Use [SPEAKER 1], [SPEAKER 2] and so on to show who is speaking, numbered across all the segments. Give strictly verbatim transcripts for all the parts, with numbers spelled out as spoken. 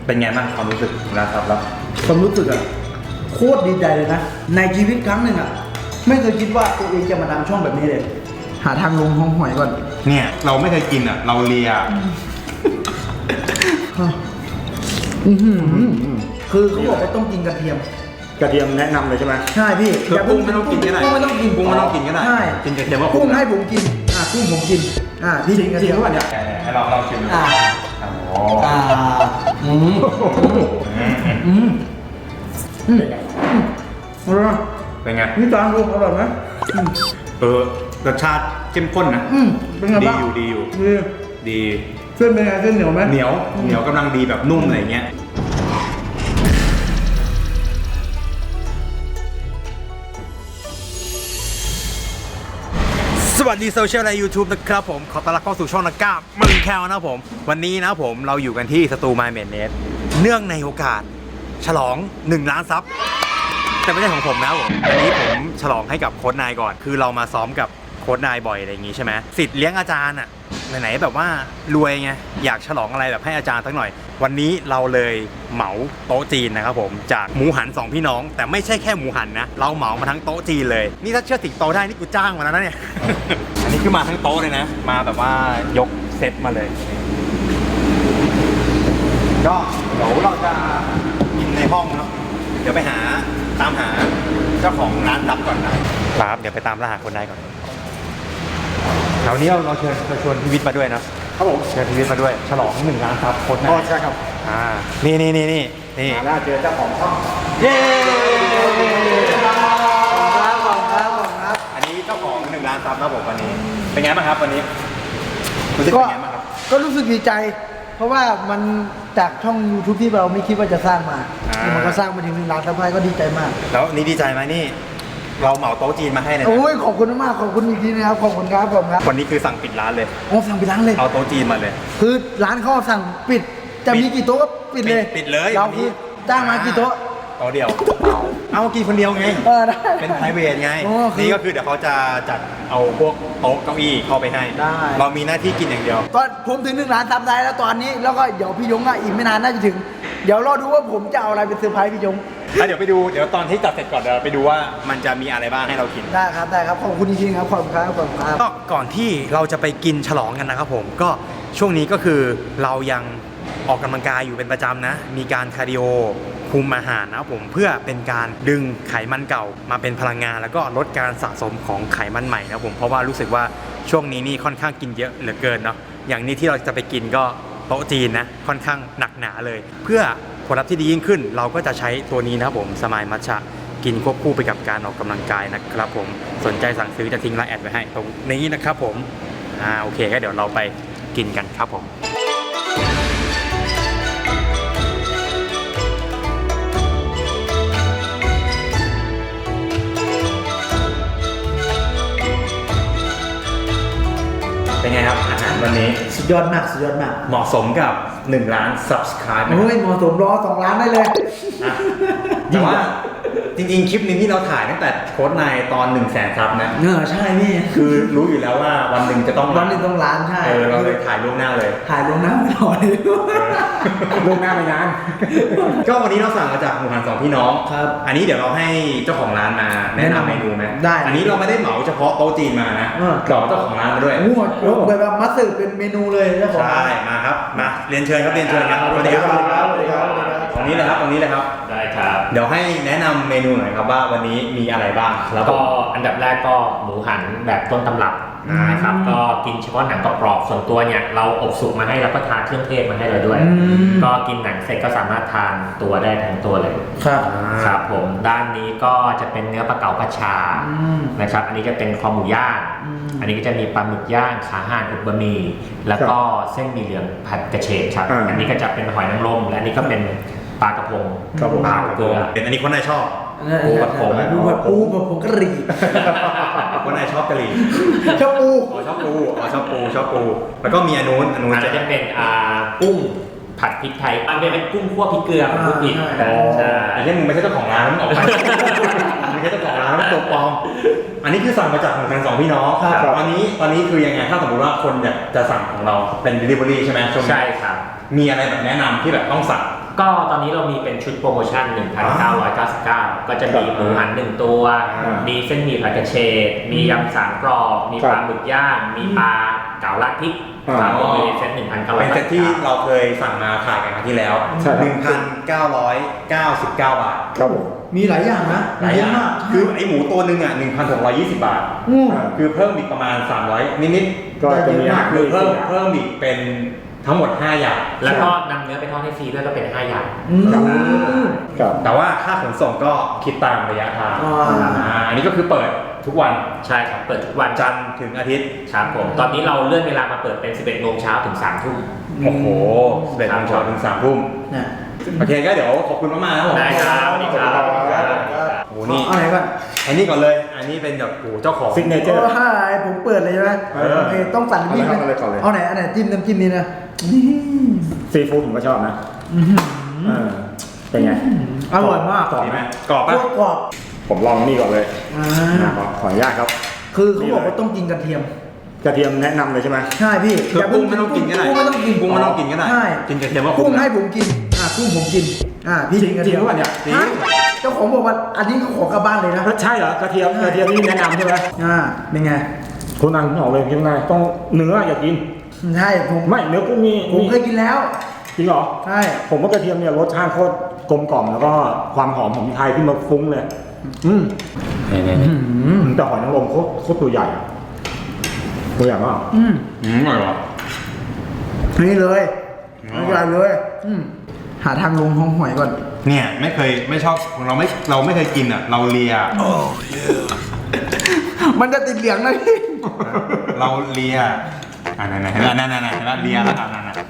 [SPEAKER 1] เป็นไงบ้างความรู้สึกนะครับแล้ว
[SPEAKER 2] ความรู้สึกอะโคตรดีใจเลยนะในชีวิตครั้งหนึ่งอะไม่เคยคิดว่าตัวเองจะมาทำช่องแบบนี้เลยหาทางลงห้องหอยก่อน
[SPEAKER 1] เนี่ยเราไม่เคยกินอ่ะเราเลีย
[SPEAKER 2] คือเขาบอกว่าต้องกินกระเทียม
[SPEAKER 1] กระเทียมแนะนำเลยใช่ไหม
[SPEAKER 2] ใช่พี่
[SPEAKER 1] คือกุ้งไม่ต้องกินก็ได้
[SPEAKER 2] กุ้งไม่ต้องกิน
[SPEAKER 1] กุ้งไม่ต้องกินก็ได้
[SPEAKER 2] ใช่
[SPEAKER 1] กินกระเทียมว่า
[SPEAKER 2] กุ้งให้ผมกินอ่ะกุ้งผมกินอ่ะพี่กินกระเทียมก่อนเนี่ย
[SPEAKER 1] ให้เราเราชิม
[SPEAKER 2] อ่าอ่าอืมอืมอืมอร่อย
[SPEAKER 1] เป็นไง
[SPEAKER 2] นี่จานลูกอร่อยไหม
[SPEAKER 1] เออรสชาติเข้มข้นนะ
[SPEAKER 2] อืมเป็นไงบ้าง
[SPEAKER 1] ดีอยู่ดีอยู่ดี
[SPEAKER 2] เส้นเป็นไงเส้นเหนียวไหม
[SPEAKER 1] เหนียวเหนียวกำลังดีแบบนุ่มอะไรเงี้ยสวัสดีโซเชียลใน YouTube นะครับผมขอต้อนรับเข้าสู่ช่องนักกล้ามึงแควนะครับผมวันนี้นะผมเราอยู่กันที่สตูมายเมนเนสเนื่องในโอกาสฉลองหนึ่งล้านซับแต่ไม่ใช่ของผมนะผมวันนี้ผมฉลองให้กับโค้ชนายก่อนคือเรามาซ้อมกับโค้ชนายบ่อยอะไรอย่างงี้ใช่ไหมสิทธิ์เลี้ยงอาจารย์อะไหนๆแบบว่ารวยไงอยากฉลองอะไรแบบให้อาจารย์สักหน่อยวันนี้เราเลยเหมาโต๊ะจีนนะครับผมจากหมูหันสองพี่น้องแต่ไม่ใช่แค่หมูหันนะเราเหมามาทั้งโต๊ะจีนเลยนี่ถ้าเชื่อสิงโตได้นี่กูจ้างมาแล้วนะเนี่ย อันนี้คือมาทั้งโต๊ะเลยนะมาแบบว่ายกเซตมาเลยก็เดี๋ยวเราจะกินในห้องเนาะเดี๋ยวไปหาตามหาเจ้าของร้านรับก่อนนะครับเดี๋ยวไปตามล่าหาคนได้ก่อนคราวนี้เราเราเชิญเราชวนพี่วิทย์มาด้วยนะครับผมเชิญพี่วิทย์มาด้วยฉลองหนึ่งล้านซับโค้ชนะ
[SPEAKER 2] อ๋อใช่ครับ
[SPEAKER 1] อ่านี่นี่นี่นี่นี่
[SPEAKER 2] มาแล้วเจอเจ้าของช่องเย้ครับขอบคุณครับขอบคุณครับ
[SPEAKER 1] อันนี้เจ้าของหนึ่งล้านซับนะผมวันนี้เป็นไงบ้างครับวันนี้รู้สึกเป็นไงบ้างครับ
[SPEAKER 2] ก็รู้สึกดีใจเพราะว่ามันจากช่อง YouTube ที่เราไม่คิดว่าจะสร้างมามันก็สร้างมาถึงหนึ่งล้านซับก็ดีใจมาก
[SPEAKER 1] แล้วนี่ดีใจไหมนี่เราเหมาโต๊ะจีนมาให้เลยนะ
[SPEAKER 2] โอ้ยขอบคุณมากขอบคุณอีกทีนะครับขอบคุณครับผมครับ
[SPEAKER 1] วันนี้คือสั่งปิดร้านเลย
[SPEAKER 2] โอ้สั่งปิดร้านเลย
[SPEAKER 1] เอาโต๊ะจีนมาเลย
[SPEAKER 2] คือร้านเขาสั่งปิดจะมีกี่โต๊ะก็ปิดเลย
[SPEAKER 1] ปิดเลย
[SPEAKER 2] เราคือจ้างมากี่โต๊ะ
[SPEAKER 1] โต๊ะเดียวเอากินคนเดียวไงเป็นไพรเวทไงนี่ก็คือเดี๋ยวเขาจะจัดเอาพวกโต๊ะเก้าอี้เข้าไปให้เรามีหน้าที่กินอย่างเดียว
[SPEAKER 2] ตอนผมถึงหนึ่งล้านซับได้แล้วตอนนี้แล้วก็เดี๋ยวพี่ยงอ่ะอีกไม่นานน่าจะถึงเดี๋ยวรอดูว่าผมจะเอาอะไรเป็นเซอร์ไพรส์พี่ยง
[SPEAKER 1] เดี๋ยวไปดูเดี๋ยวตอนที่จัดเสร็จก่อนเดี๋ยวไปดูว่ามันจะมีอะไรบ้างให้เรากิน
[SPEAKER 2] ได้ครับได้ครับขอบคุณจริงๆครับขอบคุณครับขอบคุณครับ
[SPEAKER 1] ก็ก่อนที่เราจะไปกินฉลองกันนะครับผมก็ช่วงนี้ก็คือเรายังออกกำลังกายอยู่เป็นประจำนะมีการคาร์ดิโอคุมอาหารนะครับผมเพื่อเป็นการดึงไขมันเก่ามาเป็นพลังงานแล้วก็ลดการสะสมของไขมันใหม่นะครับผมเพราะว่ารู้สึกว่าช่วงนี้นี่ค่อนข้างกินเยอะเหลือเกินเนาะอย่างนี้ที่เราจะไปกินก็โต๊ะจีนนะค่อนข้างหนักหนาเลยเพื่อผลลัพธ์ที่ดียิ่งขึ้นเราก็จะใช้ตัวนี้นะครับผมสมายมัทฉะกินควบคู่ไปกับการออกกำลังกายนะครับผมสนใจสั่งซื้อจะทิ้งไลน์แอดไว้ให้ตรงนี้นะครับผมอ่าโอเคก็เดี๋ยวเราไปกินกันครับผมเป็นไงครับอาหารวันนี้
[SPEAKER 2] สุดยอดมากสุดยอดมาก
[SPEAKER 1] เหมาะสมกับหนึ่งล้าน Subscribe
[SPEAKER 2] เฮ้ยเหมาะสมรอสองล้านได้เลย
[SPEAKER 1] แต่ว่าจริงๆคลิปนี้ที่เราถ่ายตั้งแต่โค้ชนายตอนหนึ่งแสนซับนะ
[SPEAKER 2] เออใช่พี่
[SPEAKER 1] คือรู้อยู่แล้วว่าวันหนึ่งจะต้อง
[SPEAKER 2] วันหนึ่งต้องล้านใช่
[SPEAKER 1] เออเราเลยถ่ายล่วงหน้าเลย
[SPEAKER 2] ถ่ายล่วงหน้าไม่รอเลย
[SPEAKER 1] ล่วงหน้าไปนานก็วันนี้เราสั่งมาจากหมูหันสองพี่น้อง
[SPEAKER 2] ครับ
[SPEAKER 1] อันนี้เดี๋ยวเราให้เจ้าของร้านมาแนะนำเมนูไหม
[SPEAKER 2] ได้
[SPEAKER 1] อันนี้เราไม่ได้เหมาเฉพาะโต๊ะจีนมานะเราเจ้าของร้านมาด้วย
[SPEAKER 2] โอ้โหยกแบบมัสสึเป็นเมนูเลยเจ้าของ
[SPEAKER 1] ใช่มาครับมาเรียนเชิญครับเรียนเชิญครับสวัสดีครับสวัสดีครับตรงนี้เลยครับตรงนี้เลยครับ
[SPEAKER 3] ได้ครับ
[SPEAKER 1] เดี๋ยวให้แนะนำเมนูหน่อยครับว่าวันนี้มีอะไรบ้าง
[SPEAKER 3] แล้วก็อันดับแรกก็หมูหันแบบต้นตำรับนะครับก็กินเฉพาะหนังกรอบๆส่วนตัวเนี่ยเราอบสุกมาให้แล้วก็ทานเครื่องเทศมาให้เราด้วยก็กินหนังเสร็จก็สามารถทานตัวได้ทั้งตัวเลย
[SPEAKER 2] ครับ
[SPEAKER 3] ครับผมด้านนี้ก็จะเป็นเนื้อปลาเก๋าผัดชานะครับอันนี้จะเป็นคอหมูย่างอันนี้ก็จะมีปลาหมึกย่างขาห่านอุบบะหมี่แล้วก็เส้นหมี่เหลืองผัดกระเฉดครับอันนี้ก็จะเป็นหอยนางรมและอันนี้ก็เป็นปลากระพง
[SPEAKER 1] ปลากระพงเป็นอันนี้คนไหนชอบ
[SPEAKER 2] ปูผัดผงปูผัดปูผัดผงกะหรี่
[SPEAKER 1] คนไหนชอบกะหรี่
[SPEAKER 2] ชอบปู
[SPEAKER 1] อ๋อชอบปูอ๋อชอบปูชอบปูแล้วก็มีอันนู้นอันนู้น
[SPEAKER 3] จะเป็นอ่ากุ้งผัดพริกไทยอันนี้เป็นกุ้งคั่วพริกเกลือกุ้งอีก
[SPEAKER 1] ใช่ไอ้ที่มึงไม่ใช่เจ้าของร้านออกไปไม่ใช่เจ้าของร้านตัวปลอมอันนี้คือสั่งมาจากของทางสองพี่น้องตอนนี้ตอนนี้คือยังไงถ้าสมมติว่าคนอยากจะสั่งของเราเป็น delivery ใช่ไหม
[SPEAKER 3] ใช่ครับ
[SPEAKER 1] มีอะไรแบบแนะนำที่แบบต้องสั่ง
[SPEAKER 3] ก็ตอนนี้เรามีเป็นชุดโปรโมชั่น หนึ่งพันเก้าร้อยเก้าสิบเก้า ก็จะมีหมูหันหนึ่งตัว มีเส้นหมี่ผัดกระเฉดมียำสามกรอบมีปลาหมึกย่างมีปลาเก๋าราดพริกครับก็มีเซตหนึ่งพันเก้าร้อย
[SPEAKER 1] เป็นเซตที่เราเคยสั่งมาขายกันครั้งที่แล้ว หนึ่งพันเก้าร้อยเก้าสิบเก้า บาท
[SPEAKER 2] ครับผมมีหลายอย่างนะ
[SPEAKER 1] หลายอย่าง
[SPEAKER 2] เมาก
[SPEAKER 1] คือไอหมูตัวหนึ่งอ่ะหนึ่งพันหกร้อยยี่สิบบาท
[SPEAKER 2] อืม
[SPEAKER 1] คือเพิ่มอีกประมาณสามร้อยนิดๆ
[SPEAKER 2] ก็จะมีอาหาร
[SPEAKER 1] คือเพิ่มเพิ่มอีกเป็นทั้งหมดห้าอย่าง
[SPEAKER 3] แล้วก็นำเนื้อไปทอดให้ฟรีด้วยก็เป็นห้าอย่าง
[SPEAKER 2] อืม
[SPEAKER 4] ครับ
[SPEAKER 1] แต่ว่าค่าขนส่งก็คิดตามระยะทาง
[SPEAKER 2] อ่า
[SPEAKER 1] อ่าอันนี้ก็คือเปิดทุกวัน
[SPEAKER 3] ใช่ครับเปิดทุกวัน
[SPEAKER 1] จันทร์ถึงอาทิตย์
[SPEAKER 3] ครับผมตอนนี้เราเลื่อนเวลามาเปิดเป็น สิบเอ็ดโมงเช้าถึงสามทุ่ม
[SPEAKER 1] โอ้โหสิบเอ็ดโมงเช้าถึงสามทุ่ม
[SPEAKER 2] เนี่ย
[SPEAKER 1] โอเคก็เดี๋ยวขอบคุณมากๆนะครับผม
[SPEAKER 3] ได้ครับสวัสดีครับ
[SPEAKER 1] โอ้โหนี่
[SPEAKER 2] เอาไหนก่อน
[SPEAKER 1] อันนี้ก่อนเลย อันนี้เป็นแบบโอ้โหเจ้าของ
[SPEAKER 4] ซิกเนเจอ
[SPEAKER 2] โอ้
[SPEAKER 4] ร์
[SPEAKER 2] ใช่ผมเปิดเลยใช่ไหม
[SPEAKER 1] เออ
[SPEAKER 2] โอเคต้องสั่นวิ่ง
[SPEAKER 4] เอาเลยก่อนเลย
[SPEAKER 2] เอาไหนอันไหนจิ้มน้ำจิ้มนี้นะนี่
[SPEAKER 4] ซีฟู้ดผมก็ชอบนะ
[SPEAKER 2] อื้อหือ
[SPEAKER 4] เออเป็นไง
[SPEAKER 2] อร่อยมาก
[SPEAKER 4] กรอบ
[SPEAKER 1] ดี
[SPEAKER 4] ไห
[SPEAKER 1] ไห
[SPEAKER 4] ม
[SPEAKER 1] มกรอบ
[SPEAKER 2] โค
[SPEAKER 1] ปะ
[SPEAKER 2] ตรกรอบ
[SPEAKER 4] ผมลองนี่ก่อนเลย
[SPEAKER 2] อ่า
[SPEAKER 4] นะขอขออนุญาตครับ
[SPEAKER 2] คือเขาบอกว่าต้องกินกระเทียม
[SPEAKER 4] กระเทียมแนะนำเลยใช่ไหม
[SPEAKER 2] ใช่พี่
[SPEAKER 1] คือกุ้งไม่ต้องกินก็ได้
[SPEAKER 2] กุ้งไม่ต้องกิน
[SPEAKER 1] กุ้งไม่ต้องกินก็ได้
[SPEAKER 2] ใช่
[SPEAKER 1] กินกระเทียมว่า
[SPEAKER 2] กุ้
[SPEAKER 1] คุ้
[SPEAKER 2] ง
[SPEAKER 1] ม
[SPEAKER 2] ให้ผมกินอ่ากุ้งผมกินอ่าพี่
[SPEAKER 4] จริง
[SPEAKER 2] กินกระ
[SPEAKER 4] จริ
[SPEAKER 2] เที
[SPEAKER 4] ง
[SPEAKER 2] ยม
[SPEAKER 4] หรือเปล่าเนี่ย
[SPEAKER 1] จริง
[SPEAKER 2] ฮะเจ้าของบอกว่าอันนี้เขาขอกลับบ้านเลยนะ
[SPEAKER 4] ใช่เหรอกระเทียมกระเทียมนี่แนะนำใช่ไหม
[SPEAKER 2] อ่าเป็นไง
[SPEAKER 4] คุณอันบอกเลยยังไงต้องเนื้ออย่ากิน
[SPEAKER 2] ใช่ผม
[SPEAKER 4] ไม่เนื้อกุ้งมี
[SPEAKER 2] ผมเคยกินแล้ว
[SPEAKER 4] จริงเหรอ
[SPEAKER 2] ใช่
[SPEAKER 4] ผมว่ากระเทียมเนี่ยรสชาติโคตรกลมกล่อมแล้วก็ความหอมของไทยขึ้นมาฟุ้งเลย อืม
[SPEAKER 1] นี่นี่
[SPEAKER 2] อืม
[SPEAKER 4] แต่หอยนางรมโคตรโคตรตัวใหญ่อะตัวใหญ่มาก
[SPEAKER 2] อืม
[SPEAKER 1] อืมอร่อยว่ะ
[SPEAKER 2] นี่เลย
[SPEAKER 1] อ๋อ
[SPEAKER 2] อร่อยเลยอืมหาทางลงของหอยก่อน
[SPEAKER 1] เนี่ยไม่เคยไม่ชอบเราไม่เราไม่เคยกินอ่ะ เราเลีย
[SPEAKER 2] มันจะติดเหลืองนะพี่
[SPEAKER 1] เราเลียอ่านั่นๆเห็นไหมนั่นๆเห็นไหมเลียแล้วอ่ะนั่นๆ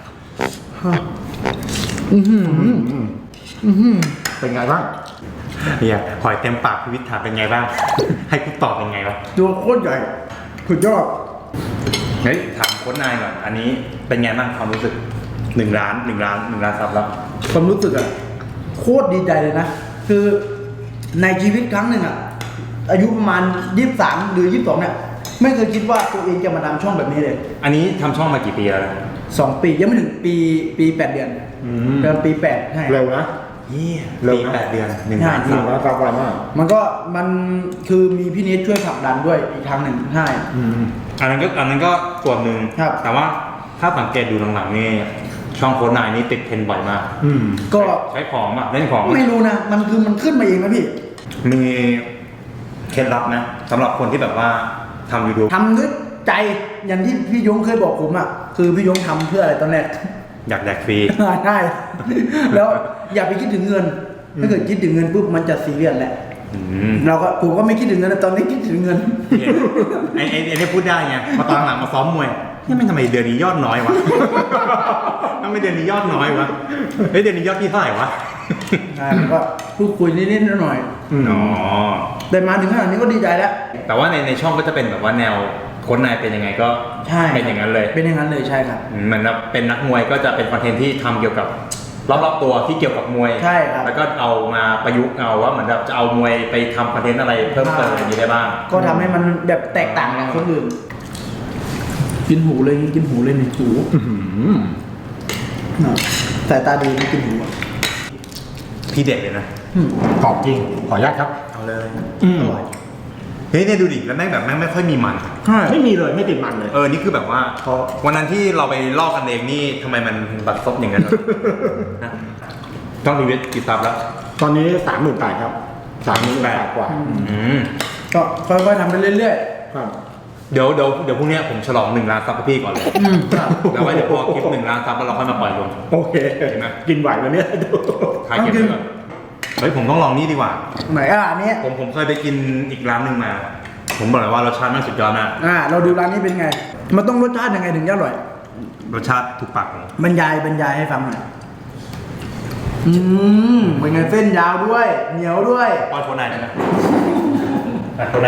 [SPEAKER 2] อือหือ
[SPEAKER 4] อืมอืม
[SPEAKER 2] อือหือ
[SPEAKER 4] เป็นไงบ้าง
[SPEAKER 1] เฮียหอยเต็มปากพี่วิทย์ถามเป็นไงบ้าง ให้กูตอบเป็นไงวะ
[SPEAKER 2] ตัวโคตรใหญ่สุดยอด
[SPEAKER 1] เฮ้ยถามโค้ชนายก่อนอันนี้เป็นไงบ้างความรู้สึกหนึ่งล้านหนึ่งล้านหนึ่งล้านซับแล้ว
[SPEAKER 2] ความรู้สึกอะโคตรดีใจเลยนะ คือในชีวิตครั้งหนึ่งอะอายุประมาณยี่สิบสามหรือยี่สิบสองเนี่ยไม่เคยคิดว่าตัวเองจะมาทำช่องแบบนี้เลย
[SPEAKER 1] อันนี้ทำช่องมากี่ปีแล้วนะ
[SPEAKER 2] สองปียังไม่ถึงปีปีแปดเดือน
[SPEAKER 4] อืม
[SPEAKER 2] เดือนปีแปดใช่
[SPEAKER 4] เร็วนะ
[SPEAKER 1] เยี่ย
[SPEAKER 4] เร็ว
[SPEAKER 1] ปี
[SPEAKER 4] นะ
[SPEAKER 1] แปดเดือนหนึ่งล้าน
[SPEAKER 4] ห
[SPEAKER 1] ซั
[SPEAKER 4] นึ่
[SPEAKER 1] บ
[SPEAKER 4] งร้อยซับไวมาก
[SPEAKER 2] มันก็มันคือมีพี่นิดช่วยผลักดันด้วยอีกทางหนึ่งใช่
[SPEAKER 4] อืม
[SPEAKER 1] อันนั้นก็อันนั้นก็ส่วนหนึ่ง
[SPEAKER 2] ครับ
[SPEAKER 1] แต่ว่าถ้าสังเกตดูหลังๆนี่ช่องโค้ชนายนี่ติดเทรนด์บ่อยมาก
[SPEAKER 4] อืม
[SPEAKER 2] ก็
[SPEAKER 1] ใช้ของอ่ะเล่นของ
[SPEAKER 2] ไม่รู้นะ มันคือมันขึ้นมาเองนะพี่
[SPEAKER 1] มีเคล็ดลับนะสำหรับคนที่แบบว่าทำยูทูบ
[SPEAKER 2] ทำด้วยใจอย่างที่พี่ยงเคยบอกผมอ่ะคือพี่ยงทำเพื่ออะไรตอนแรก
[SPEAKER 1] อยากแดกฟรี
[SPEAKER 2] ใช่ แล้วอย่าไปคิดถึงเงิน ถ้าเกิดคิดถึงเงินปุ๊บมันจะซีเรียสแหละ
[SPEAKER 1] อืม
[SPEAKER 2] เราก็ผมก็ไม่คิดถึงเงินนะตอนนี้คิดถึงเงิน
[SPEAKER 1] ไอ้ไอ้ไอ้นี่พูดได้ไงมาตอนหลังมาซ้อมมวยนี่ไม่ทำไมเดือนนี้ยอดน้อยวะ ทำไมเดือนนี้ยอดน้อยวะเฮ้ยเดือนนี้ยอดพี่เท่าไหร่วะ
[SPEAKER 2] ใช่ผมก็พูดคุยนิดๆหน่อย
[SPEAKER 1] อ๋อ
[SPEAKER 2] ๆแต่มาถึงขนาดนี้ก็ดีใจแล้ว
[SPEAKER 1] แต่ว่าในในช่องก็จะเป็นแบบว่าแนวโค้ชนายเป็นยังไงก็
[SPEAKER 2] ใช่
[SPEAKER 1] เป็นอย่างนั้นเลย
[SPEAKER 2] เป็นอย่างนั้นเลยใช่ครับ
[SPEAKER 1] อืมเหมือนแบบเป็นนักมวยก็จะเป็นคอนเทนต์ที่ทำเกี่ยวกับรอบๆตัวที่เกี่ยวกับมวย
[SPEAKER 2] ใช่ครับ
[SPEAKER 1] แล้วก็เอามาประยุกต์เอาว่าเหมือนแบบจะเอามวยไปทำคอนเทนต์อะไรเพิ่มเติมอย่างนี้ได้บ้าง
[SPEAKER 2] ก็ทำให้มันแบบแตกต่างจากคนอื่น กินหูเลยกินหูเลยนี่หู
[SPEAKER 4] อื้อหือ
[SPEAKER 2] น่ะสายตาดีไม่กินหูอ่ะ
[SPEAKER 1] พี่เด็กเลยนะ
[SPEAKER 2] อืม
[SPEAKER 4] กรอบจริง ขออนุญาตครับ
[SPEAKER 1] เอาเลย
[SPEAKER 4] อืม
[SPEAKER 2] อร่อย
[SPEAKER 1] เฮ้ยเนี่ยดูดิแล้วแม่งแบบแม่งไม่ค่อยมีมัน
[SPEAKER 2] ใช่
[SPEAKER 4] ไม่มีเลยไม่ติดมันเลย
[SPEAKER 1] เออ นี่คือแบบว่า
[SPEAKER 4] เพราะ
[SPEAKER 1] วันนั้นที่เราไปลอกกันเองนี่ทำไมมันบัดซบอย่างนั้นวะ นะต้องรีวิวกี่ซับแล้ว
[SPEAKER 4] ตอนนี้สามหมื่นแปดครับสามหมื่นแปดกว่า
[SPEAKER 1] อืม
[SPEAKER 2] ก็ค่อยๆทำไปเรื่อย
[SPEAKER 4] ครับ
[SPEAKER 1] เดี๋ยวเดี๋ยวเดี๋ยวพรุ่งนี้ผมฉลองหนึ่งล้านซับกับพี่ก่อนเลย
[SPEAKER 2] ๆอืมครับ
[SPEAKER 1] แล้วไว้เดี๋ยวพอคลิปหนึ่งล้านซับแล้วเราค่อยมาปล่อยลง
[SPEAKER 4] โอเค
[SPEAKER 1] เห็นไหม
[SPEAKER 4] กินไหวแล้วเนี่ย
[SPEAKER 1] ขายเก็บไว้ก่อนเฮ้ยผมต้องลองนี่ดีกว่า
[SPEAKER 2] ไหนอ่ะอันนี้
[SPEAKER 1] ผมผมเคยไปกินอีกร้านหนึ่งมา ผมบอกเลยว่ารสชาติแม่งสุดยอดมาก
[SPEAKER 2] อ่า เราดูร้านนี้เป็นไง มันต้องรสชาติยังไงถึงจะอร่อย
[SPEAKER 1] รสชาติถูกปากผม
[SPEAKER 2] บรรยายบรรยายให้ฟังหน่อยอืมเป็นไงเส้นยาวด้วย เหนียวด้วย
[SPEAKER 1] ป้อนโคนไหนได้ไหมอ่ะโคนไหน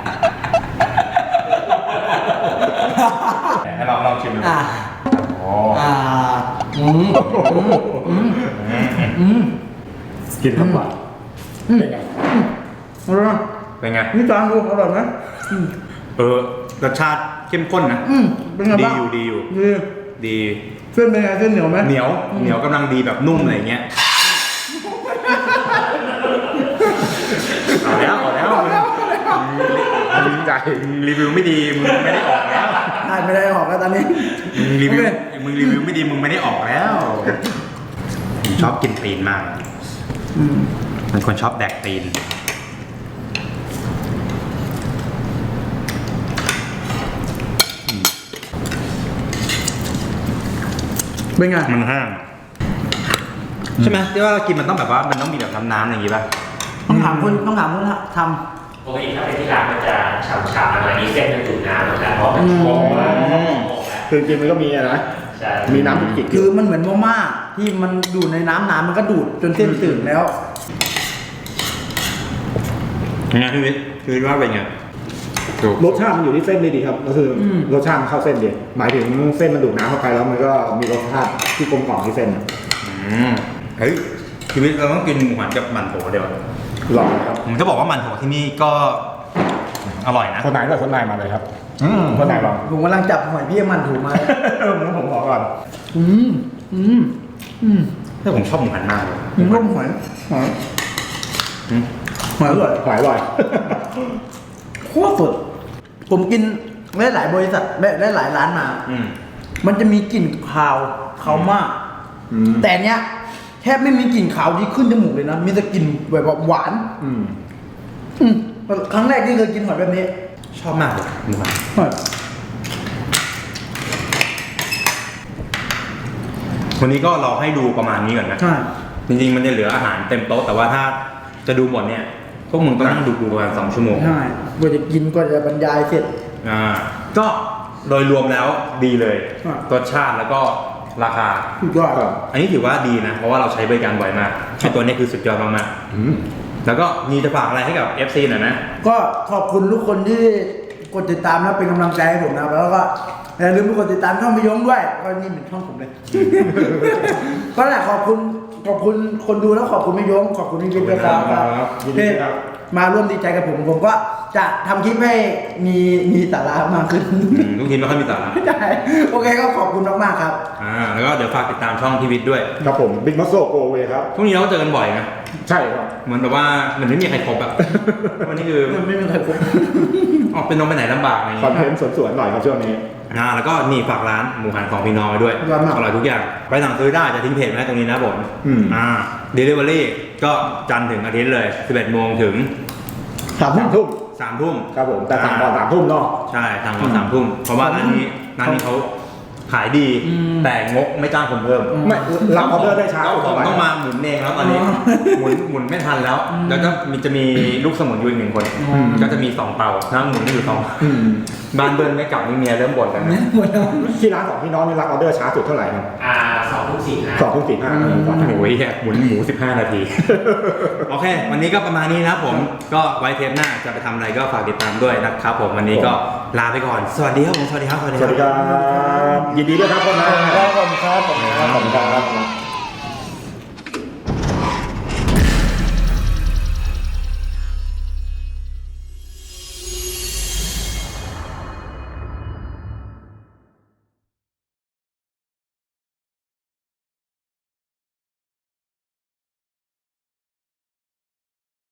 [SPEAKER 1] ให้ลองลองชิมดู
[SPEAKER 2] อ่า
[SPEAKER 1] โอ้
[SPEAKER 2] อ่าอืมอืมอืม
[SPEAKER 4] กินทั้งวัน
[SPEAKER 2] อืม
[SPEAKER 4] เป็นไง
[SPEAKER 2] อร่อย
[SPEAKER 1] เป็นไง
[SPEAKER 2] นี่จานดูอร่อยไหมอืม
[SPEAKER 1] เออรสชาติเข้มข้นนะ
[SPEAKER 2] อืมเป็นไง
[SPEAKER 1] ดี
[SPEAKER 2] บ้าง
[SPEAKER 1] อยู่ดีอยู่
[SPEAKER 2] ดี
[SPEAKER 1] ดี
[SPEAKER 2] เส้นเป็นไงเส้นเหนียวไหม
[SPEAKER 1] เหนียวเหนียวกำลังดีแบบนุ่มอะไรเงี้ยมึงรีวิวไม่ดีมึงไม่ได้ออกแล้ว
[SPEAKER 2] ใช่ไม่ได้ออกแล้วตอนนี้
[SPEAKER 1] มึงรีวิว
[SPEAKER 2] โอเค
[SPEAKER 1] มึงรีวิวไม่ดีมึงไม่ได้ออกแล้วผมชอบกินตีนมาก
[SPEAKER 2] อืม
[SPEAKER 1] เป็นคนชอบแดกตีน
[SPEAKER 2] เป็นไง
[SPEAKER 1] มันแห้งใช่ไหมที่ว่าเรากินมันต้องแบบว่ามันต้องมีแบบน้ำๆอย่างงี้ป่ะ
[SPEAKER 2] ต้องถามคนต้องถามคนท
[SPEAKER 3] ปกติถ้าเป็นที่ร้านมันจะฉ่ำๆอะไรนี้เส้นมันดูดน้ำนะครับเพราะมันโค้งแล้วโค้งแล้ว
[SPEAKER 4] คือจริงมันก็มีอะนะ
[SPEAKER 3] ใช่
[SPEAKER 4] มีน้ำจุกจิก
[SPEAKER 2] ำคือมันเหมือนมาม่าที่มันดูดในน้ำน้ำมันก็ดูดจนเส้นตื่นแล้ว
[SPEAKER 1] ยังไงพี่วิทย์คือว่าเป็นไงถูก
[SPEAKER 4] รสชาติมันอยู่ที่เส้นดีครับก็คืออ
[SPEAKER 2] ม
[SPEAKER 4] รสชาติมันเข้าเส้นดีหมายถึงเส้นมันดูดน้ำเข้าไปแล้วมันก็มีรสชาติที่กลมกล่อมที่เส้น
[SPEAKER 1] อืมเฮ้ยชีวิตเราต้องกินหมูหันกับมันโถเดียว
[SPEAKER 4] ลองครับ
[SPEAKER 1] ผมจะบอกว่ามันโถที่นี่ก็อร่อยนะ
[SPEAKER 4] คนไหนก็คนไหนมาเลยครับอืมคนไหนลอง
[SPEAKER 2] ผมกำลังจับหอยพี่มันถูกมา
[SPEAKER 4] เออผมผมขอก่อน
[SPEAKER 2] อืมอืมอืม
[SPEAKER 1] แต่ผมชอบหมูหันมากเลย
[SPEAKER 2] อืมร่มหอยหอย
[SPEAKER 1] อืม
[SPEAKER 2] หอยอร่อย
[SPEAKER 4] หอยอร่อย
[SPEAKER 2] โคตรสดผมกินได้หลายบริษัทได้ได้หลายร้านมา
[SPEAKER 1] อืม
[SPEAKER 2] มันจะมีกลิ่นคาวคาวมาก
[SPEAKER 4] อืม
[SPEAKER 2] แต่เนี้ยแทบไม่มีกลิ่นคาวที่ขึ้นจมูกเลยนะ มีแต่กลิ่นแบบว่าหวาน
[SPEAKER 4] อืม
[SPEAKER 2] อืมครั้งแรกที่เคยกินหอยแบบนี้
[SPEAKER 1] ชอบมากเลยหมูหัน
[SPEAKER 2] หอย
[SPEAKER 1] วันนี้ก็เราให้ดูประมาณนี้ก่อนนะ
[SPEAKER 2] ใช่
[SPEAKER 1] จริงๆมันจะเหลืออาหารเต็มโต๊ะแต่ว่าถ้าจะดูหมดเนี่ยพวกมึงต้องนั่งดูกูประมาณสองชั่วโมง
[SPEAKER 2] ใช่กว่าจะกินกว่าจะบรรยายเสร็จ
[SPEAKER 1] อ่าก็โดยรวมแล้วดีเลย
[SPEAKER 2] อ่ะ
[SPEAKER 1] รสชาติแล้วก็ราคา
[SPEAKER 2] สุดยอด
[SPEAKER 4] ครับ
[SPEAKER 1] อันนี้ถือว่าดีนะ เพราะว่าเราใช้บริการบ่อยมากไอตัวนี้คือสุดยอดมาก
[SPEAKER 4] อืม
[SPEAKER 1] ๆแล้วก็มีจะฝากอะไรให้กับ เอฟ ซี หน่อยนะ
[SPEAKER 2] ก็ขอบคุณทุกคนที่กดติดตามแล้วเป็นกำลังใจให้ผมนะครับแล้วก็อย่าลืมกดติดตามช่องพี่ยงด้วยก็นี่เป็นช่องผมเลย ก็แหละขอบคุณขอบคุณคนดูแล้วขอบคุณพี่ยงขอบคุณพี่วิทย์ด้วยครับ
[SPEAKER 4] ครับยินดีครับ
[SPEAKER 2] ที่มาร่วมดีใจกับผมผมก็จะทำคลิปให้มีมีสาระมากขึ้น
[SPEAKER 1] อืมทุกทีไม่ค่อยมีสาระ
[SPEAKER 2] ใช่โอเคก็ขอบคุณมากๆครับ
[SPEAKER 1] อ่าแล้วก็เดี๋ยวฝากติดตามช่องพีวิทย์ด้วย
[SPEAKER 4] ครับผมบิ๊กมัสโซโกเวครับ
[SPEAKER 1] พรุ่งนี้เราก็เจอกันบ่อยนะ
[SPEAKER 4] ใช่ครับ
[SPEAKER 1] เหมือนแบบว่าเหมันไม่มีใครครบอะ วันนี้คือ
[SPEAKER 2] ไม่มีใครครบ
[SPEAKER 1] ออกเป็นน้องไปไหนลำบากอะไรอย่าง
[SPEAKER 4] คอน
[SPEAKER 1] เงี้ย
[SPEAKER 4] เทนต์สวนๆหน่อยครับช่วงนี้
[SPEAKER 1] อ่าแล้วก็นี่ฝากร้านหมูหันของพี่น้องไว้ด้วย
[SPEAKER 2] อร่อยมาก
[SPEAKER 1] อร่อยทุกอย่างไปสั่งซื้อได้จะทิ้งเพจไว้ให้ตรงนี้นะผม
[SPEAKER 4] อืม
[SPEAKER 1] อ่าเดลิเวอรี่ก็จันทร์ถึงอาทิตย์เลยสิบเอ็ดโมงถึง
[SPEAKER 2] สาม
[SPEAKER 4] สามทุ่ม
[SPEAKER 1] สามทุ่ม
[SPEAKER 4] ครับผมแต่สั่งก่อนสามทุ่มเนาะ
[SPEAKER 1] ใช่สั่งก่อนสามทุ่มเพราะว่าร้านนี้ร้านนี้เขาขายดี
[SPEAKER 2] อืม
[SPEAKER 1] แต่งกไม่จ้างคนเพิ่ม
[SPEAKER 4] ไม่รับออเดอร์ได้ช้า
[SPEAKER 1] เจ้าของต้องมาหมุนเองแล้วตอนนี้
[SPEAKER 2] อ๋อ
[SPEAKER 1] หมุนหมุนไม่ทันแล้ว แล้วก็มีจะมีลูกสมุนอยู่อีกหนึ่งคน
[SPEAKER 2] อืม
[SPEAKER 1] ก็จะมีสองเตาถ้าหมุนได้อยู่สอง
[SPEAKER 4] อืม
[SPEAKER 1] บ้านเบิ้ลไม่กลับนี่เมียเริ่มบ่นแล้วนะ
[SPEAKER 2] หมดแล้ว
[SPEAKER 4] ที่ร้านของพี่น้องนี่รับออเดอร์ช้าสุดเท่าไหร่ครับ
[SPEAKER 3] อ่าสองทุ่มสี่ห้า
[SPEAKER 4] สองทุ่มสี่ห้า
[SPEAKER 2] อืม
[SPEAKER 1] โอ้ยหมุนหมูสิบห้านาที โอเค วันนี้ก็ประมาณนี้นะครับผม ก็ไว้เทปหน้าจะไปทำอะไรก็ฝากติดตามด้วยนะครับผม วันนี้ก็ลาไปก่อน สวัสดีครับผม สวัสดีครับ สวัสดี
[SPEAKER 4] สวัสดี
[SPEAKER 1] ค
[SPEAKER 4] ครับ รับยินดีด้วยครับคนนะ
[SPEAKER 2] ขอบคุณครับผม
[SPEAKER 4] ขอบคุณครับ